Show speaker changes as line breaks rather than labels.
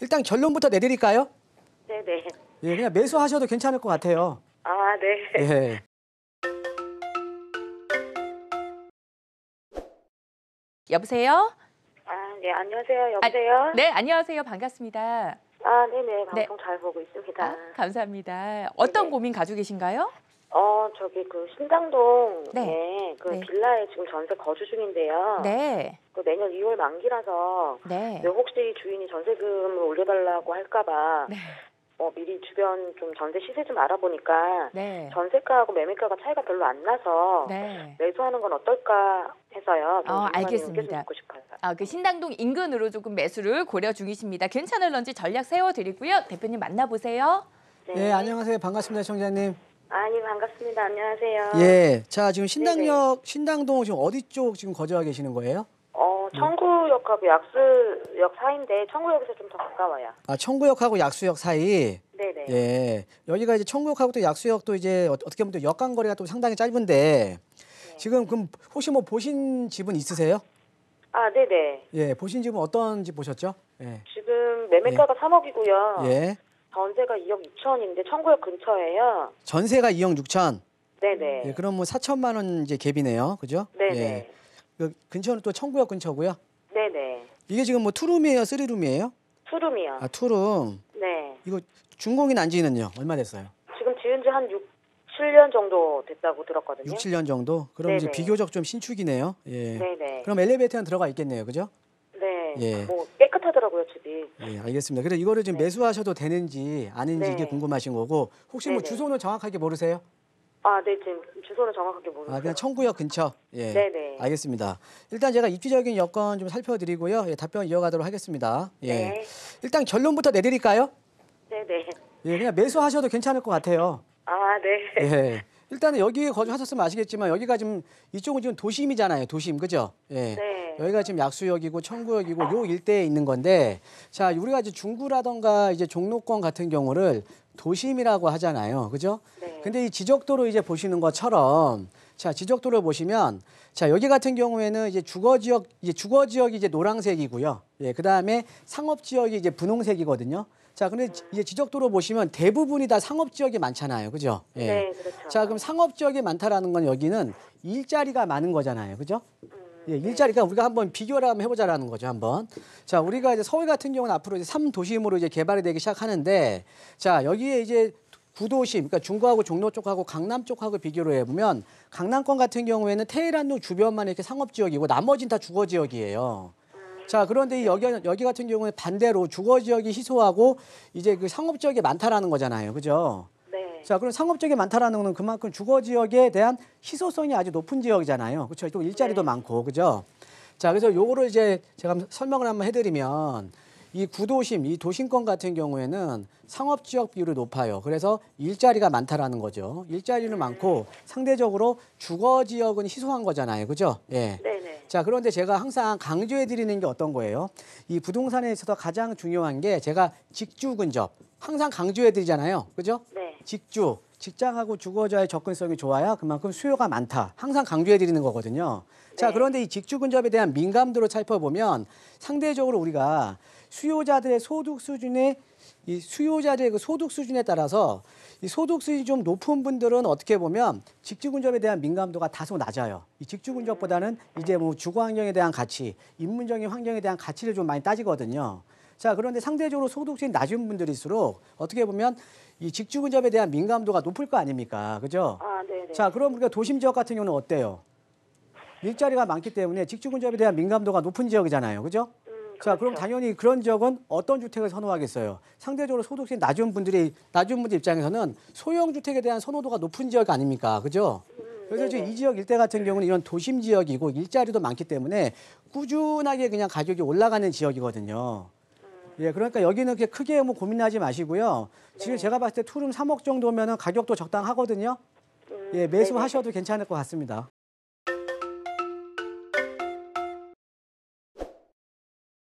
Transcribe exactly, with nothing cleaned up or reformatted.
일단 결론부터 내드릴까요?
네네.
예, 그냥 매수하셔도 괜찮을 것 같아요.
아, 네.
예.
여보세요?
아, 네, 안녕하세요. 여보세요?
아, 네, 안녕하세요. 반갑습니다.
아, 네네. 방송
네.
잘 보고 있습니다.
아, 감사합니다. 어떤
네네.
고민 가지고 계신가요?
어, 저기 그 신당동에
네.
그
네.
빌라에 지금 전세 거주 중인데요.
네.
그 내년 이월 만기라서
네.
네, 혹시 주인이 전세금을 올려달라고 할까봐
네.
어, 미리 주변 좀 전세 시세 좀 알아보니까
네.
전세가하고 매매가가 차이가 별로 안 나서
네.
매수하는 건 어떨까 해서요. 좀
어,
전문가님
알겠습니다.
의견 듣고 싶어요.
아, 그 신당동 인근으로 조금 매수를 고려 중이십니다. 괜찮을런지 전략 세워드리고요. 대표님 만나보세요.
네.
예, 안녕하세요. 반갑습니다, 청자님.
아니, 반갑습니다. 안녕하세요.
예, 자 지금 신당역, 신당동 지금 어디 쪽 지금 거주하고 계시는 거예요?
어, 청구역하고 약수역 사이인데 청구역에서 좀 더 가까워요.
아, 청구역하고 약수역 사이.
네네.
예, 여기가 이제 청구역하고 또 약수역도 이제 어- 어떻게 보면 또 역간 거리가 또 상당히 짧은데
네.
지금 그럼 혹시 뭐 보신 집은 있으세요?
아, 네네.
예, 보신 집은 어떤 집 보셨죠? 예,
지금 매매가가 삼억이고요.
예,
전세가 이억 이천인데 청구역 근처예요.
전세가 이억 육천.
네네.
예, 그럼 뭐 사천만 원 이제 갭이네요, 그죠?
네네.
예, 그 근처는 또 청구역 근처고요.
네네.
이게 지금 뭐 투룸이에요, 쓰리룸이에요?
투룸이요.
아, 투룸.
네.
이거 준공이 난 지는요? 얼마 됐어요?
지금 지은 지 한 육, 칠 년 정도 됐다고 들었거든요.
육, 칠 년 정도? 그럼 이제
네네.
비교적 좀 신축이네요. 예.
네네.
그럼 엘리베이터는 들어가 있겠네요, 그죠?
네.
예.
뭐 깨끗하더라고요, 집이.
예, 알겠습니다. 그래 이거를 지금
네.
매수하셔도 되는지 아닌지
네.
이게 궁금하신 거고 혹시 뭐
네네.
주소는 정확하게 모르세요?
아, 네. 지금 주소는 정확하게 모르겠어요.
아, 그냥 청구역 근처. 예.
네네.
알겠습니다. 일단 제가 입지적인 여건 좀 살펴드리고요. 예, 답변 이어가도록 하겠습니다. 예.
네.
일단 결론부터 내드릴까요?
네네.
예, 그냥 매수하셔도 괜찮을 것 같아요.
아, 네.
예. 일단은 여기에 거주하셨으면 아시겠지만 여기가 지금 이쪽은 지금 도심이잖아요. 도심, 그죠? 예.
네.
여기가 지금 약수역이고 청구역이고 요 일대에 있는 건데, 자 우리가 이제 중구라던가 이제 종로권 같은 경우를 도심이라고 하잖아요, 그죠?
네.
근데 이 지적도로 이제 보시는 것처럼, 자 지적도를 보시면, 자 여기 같은 경우에는 이제 주거지역, 이제 주거지역이 이제 노란색이고요. 예, 그 다음에 상업지역이 이제 분홍색이거든요. 자, 근데 지- 이제 지적도로 보시면 대부분이 다 상업지역이 많잖아요, 그죠? 예.
네, 그렇죠.
자, 그럼 상업지역이 많다라는 건 여기는 일자리가 많은 거잖아요, 그죠?
음,
예, 일자리가 우리가 한번 비교를 한번 해보자라는 거죠, 한번. 자, 우리가 이제 서울 같은 경우는 앞으로 이제 삼 도심으로 이제 개발이 되기 시작하는데, 자, 여기에 이제 구도심, 그러니까 중구하고 종로 쪽하고 강남 쪽하고 비교를 해보면, 강남권 같은 경우에는 테헤란로 주변만 이렇게 상업지역이고, 나머지는 다 주거지역이에요. 자, 그런데 이 여기, 여기 같은 경우에 반대로 주거지역이 희소하고, 이제 그 상업지역이 많다라는 거잖아요, 그죠?
네.
자, 그럼 상업지역이 많다라는 거는 그만큼 주거 지역에 대한 희소성이 아주 높은 지역이잖아요. 그렇죠? 또 일자리도
네.
많고, 그죠? 자, 그래서 요거를 이제 제가 한번 설명을 한번 해드리면 이 구도심, 이 도심권 같은 경우에는 상업지역 비율이 높아요. 그래서 일자리가 많다라는 거죠. 일자리는 많고 상대적으로 주거 지역은 희소한 거잖아요, 그죠? 예.
네네.
자, 그런데 제가 항상 강조해 드리는 게 어떤 거예요? 이 부동산에 있어서 가장 중요한 게 제가 직주 근접. 항상 강조해 드리잖아요. 그죠?
네.
직주, 직장하고 주거자의 접근성이 좋아야 그만큼 수요가 많다. 항상 강조해 드리는 거거든요. 자,
네.
그런데 이 직주 근접에 대한 민감도를 살펴보면 상대적으로 우리가 수요자들의 소득 수준의 이 수요자들의 그 소득 수준에 따라서 이 소득 수준이 좀 높은 분들은 어떻게 보면 직주 근접에 대한 민감도가 다소 낮아요. 이 직주 근접보다는 이제 뭐 주거 환경에 대한 가치, 인문적인 환경에 대한 가치를 좀 많이 따지거든요. 자, 그런데 상대적으로 소득이 낮은 분들일수록 어떻게 보면 이 직주 근접에 대한 민감도가 높을 거 아닙니까? 그죠?
아, 네네.
자, 그럼 우리가 도심 지역 같은 경우는 어때요? 일자리가 많기 때문에 직주 근접에 대한 민감도가 높은 지역이잖아요. 그죠?
음,
자, 그럼
그렇죠.
당연히 그런 지역은 어떤 주택을 선호하겠어요? 상대적으로 소득이 낮은 분들이 낮은 분들 입장에서는 소형 주택에 대한 선호도가 높은 지역 아닙니까? 그죠? 그래서 지금
네네.
이 지역 일대 같은 경우는 이런 도심 지역이고 일자리도 많기 때문에 꾸준하게 그냥 가격이 올라가는 지역이거든요. 예, 그러니까 여기는 그렇게 크게 뭐 고민하지 마시고요. 지금
네.
제가 봤을 때 투룸 삼억 정도면은 가격도 적당하거든요.
음,
예,
네네.
매수하셔도 괜찮을 것 같습니다.